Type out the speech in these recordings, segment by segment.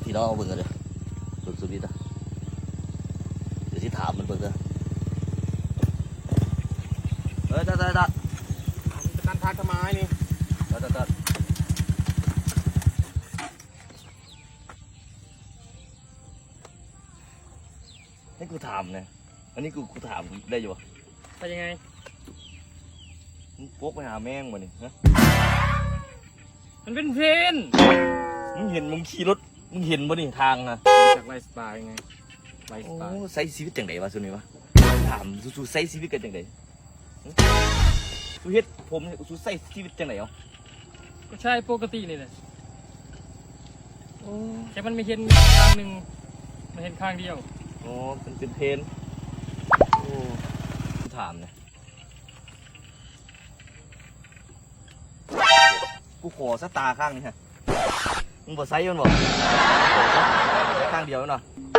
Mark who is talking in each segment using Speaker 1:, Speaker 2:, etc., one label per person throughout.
Speaker 1: พี่น้องเอาเบิ่งกันเลยสุดๆนี่นะเดี๋ยวที่ถามมันเบิ่งกันตัด
Speaker 2: การทางทำไมนี่
Speaker 1: ตัดให้กูถามเนี่ยอันนี้กูถามได้อยู่ปะ
Speaker 2: ไปยังไง
Speaker 1: มึงพกไปหาแม่งมาเนี่ยฮะ
Speaker 2: มันเป็นเพลน
Speaker 1: มึงเห็นมึงขี่รถมึงเห็นบ่นี่ทางนะ
Speaker 2: จากไลฟ์สไตล์ไงไลฟ์ส
Speaker 1: โอ้
Speaker 2: ไตล์
Speaker 1: ใช้ชีวิตจังไดวะส่วนนี้วะถามสู้ใช้ชีวิตกันจังไดสู้เฮ็ดผมสู้ใช้ชีวิตจังไดเอา
Speaker 2: ก็ใช่ปกตินี่แหละแค่มันไม่เห็นข้างหนึ่งมันเห็นข้างเดียว
Speaker 1: อ๋อเป็นเพนโอ้กูถามเนี่ยกูขอสตาร์ข้างนี้ฮะมึงบ่ไซส์มันบ่ข้างเดียวเนาะ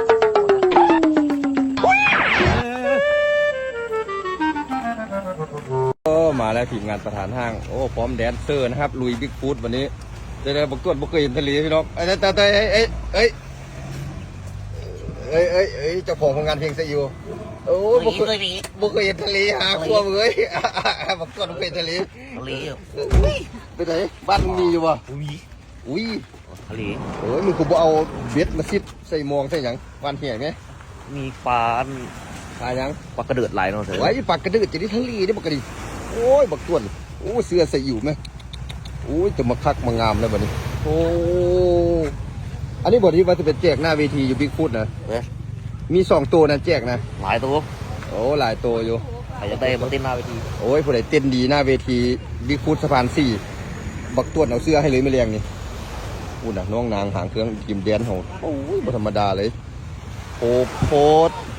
Speaker 1: มาแล้วทีมงานประธานห้างโอ้พร้อมแดนเซอร์นะครับลุยบิ๊กฟูดวันนี้ได้บักต้วนบ่เคยเห็นทะเลพี่น้องเอ้ยเจ้าของโรงงานเพลงซะอยู่โอ้บ่เคยเห็นทะเลหาขั้วเว้ยบักต้วนบ่เคยเห็นทะเลไปไหนบ้านมึงมีอยู่บ่อุ้ยทะเลมึงกูบ่เอาเบ็ดมาซิดใส่มองใส่หยังวานเหี้ยไหมมีปลาหยังปลากระเดิดหลายเนาะไว้ปลากระเดิดจะได้ทะเลได้บักกระดิโอ้ยบักต้วนโอ้เสื้อใส่อยู่ไหมโอ้ยจะมาคักมางามแล้วบัดนี้โอ้อันนี้บทที่ว่าจะเป็นแจกหน้าเวทีอยู่บิ๊กฟุตนะมี2 ตัวนะแจกนะหลายตัวโอ้หลายตัวอยู่ใครจะได้มาเต้นหน้าเวทีโอ้ยผู้ใดเต้นดีหน้าเวทีบิ๊กฟุตสะพาน4บักต้วนเอาเสื้อให้เลยไม่เรียงนี่อู้น่ะน้องนางหางเครื่องกิมแดนโหโอ้ยบ่ธรรมดาเลยโพด